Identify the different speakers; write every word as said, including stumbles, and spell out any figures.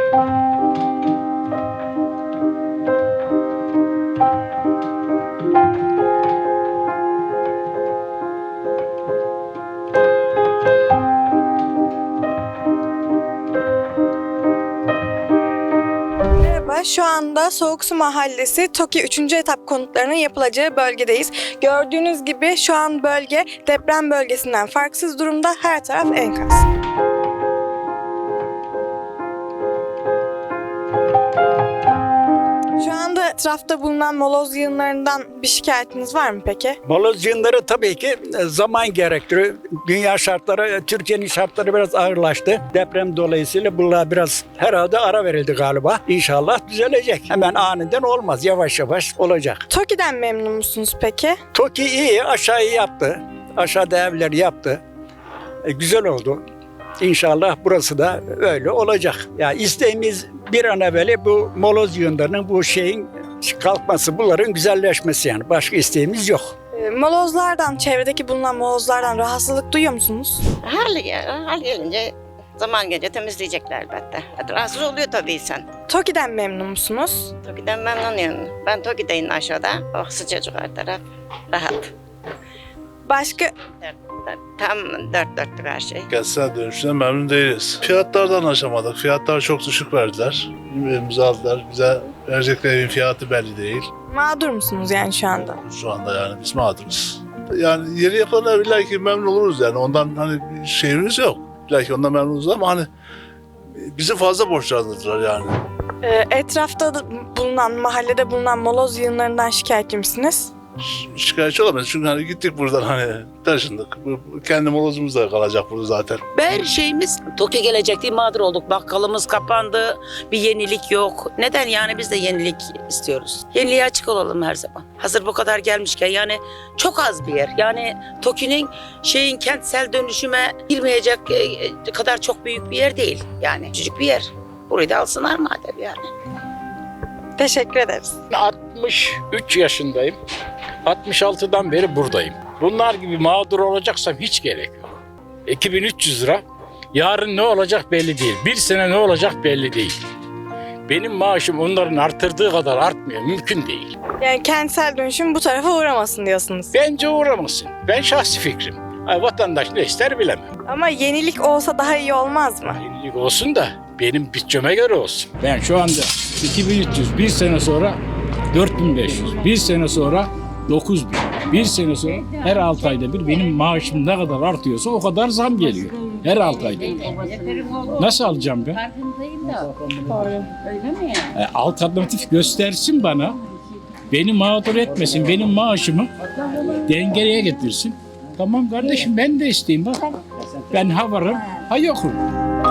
Speaker 1: Şu anda Soğuksu Mahallesi TOKİ üçüncü etap konutlarının yapılacağı bölgedeyiz. Gördüğünüz gibi şu an bölge deprem bölgesinden farksız durumda. Her taraf enkaz. Şu anda etrafta bulunan moloz yığınlarından bir şikayetiniz var mı peki?
Speaker 2: Moloz yığınları tabii ki zaman gerektiriyor. Dünya şartları, Türkiye'nin şartları biraz ağırlaştı. Deprem dolayısıyla bunlar biraz herhalde ara verildi galiba. İnşallah düzelecek. Hemen aniden olmaz. Yavaş yavaş olacak.
Speaker 1: TOKİ'den memnun musunuz peki?
Speaker 2: TOKİ iyi. Aşağıyı yaptı. Aşağıda evleri yaptı. E, güzel oldu. İnşallah burası da öyle olacak. Ya isteğimiz bir an evvel bu moloz yığınlarının, bu şeyin kalkması, bunların güzelleşmesi yani. Başka isteğimiz yok.
Speaker 1: E, Molozlardan, çevredeki bulunan molozlardan rahatsızlık duyuyor musunuz?
Speaker 3: Hal, hal gelince zaman gelince temizleyecekler elbette. Rahatsız oluyor tabii insan.
Speaker 1: TOKİ'den memnun musunuz?
Speaker 3: TOKİ'den memnunum. Ben TOKİ'deyim aşağıda. Oh sıcacık her taraf. Rahat.
Speaker 1: Başka
Speaker 3: Tam dört dörtlük her şey.
Speaker 4: Kentsel dönüşümden memnun değiliz. Fiyatlardan anlaşamadık. Fiyatlar çok düşük verdiler. Elimize aldılar. Bize verecekleri evin fiyatı belli değil.
Speaker 1: mağdur musunuz yani şu anda?
Speaker 4: Şu anda yani biz mağduruz. Yani yeni yapılan evler ki memnun oluruz yani. Ondan hani bir şeyimiz yok. Belki ondan memnunuz ama hani bizi fazla borçlandırdılar yani.
Speaker 1: E, etrafta da bulunan, mahallede bulunan moloz yığınlarından şikayetçi misiniz?
Speaker 4: Ş- Şikayetçi olamayız çünkü hani gittik buradan hani taşındık. Bu- bu Kendi molozumuz da kalacak burada zaten.
Speaker 5: Her şeyimiz TOKİ gelecek diye mağdur olduk. Bakkalımız kapandı. Bir yenilik yok. Neden yani biz de yenilik istiyoruz. Yeniliğe açık olalım her zaman. Hazır bu kadar gelmişken yani çok az bir yer. Yani TOKİ'nin şeyin kentsel dönüşüme girmeyecek e, kadar çok büyük bir yer değil. Yani küçücük bir yer. Burayı da alsınlar madem yani.
Speaker 1: Teşekkür ederiz.
Speaker 6: altmış üç yaşındayım. altmış altıdan beri buradayım. Bunlar gibi mağdur olacaksam hiç gerek yok. iki bin üç yüz lira. Yarın ne olacak belli değil. Bir sene ne olacak belli değil. Benim maaşım onların artırdığı kadar artmıyor. Mümkün değil.
Speaker 1: Yani kentsel dönüşüm bu tarafa uğramasın diyorsunuz.
Speaker 6: Bence uğramasın. Ben şahsi fikrim. Ay, vatandaş ne ister bilemem.
Speaker 1: Ama yenilik olsa daha iyi olmaz mı?
Speaker 6: Yenilik olsun da benim bütçeme göre olsun. Ben şu anda iki bin üç yüz, bir sene sonra dört bin beş yüz, bir sene sonra dokuz bin, bir sene sonra her altı ayda bir benim maaşım ne kadar artıyorsa o kadar zam geliyor. Her altı ayda bir. Nasıl alacağım ben?
Speaker 7: Farkındayım da. Öyle mi yani?
Speaker 6: E, alternatif göstersin bana. Beni mağdur etmesin, benim maaşımı dengeye getirsin. Tamam kardeşim ben de isteyeyim bak. Ben ha varım, ha yokum.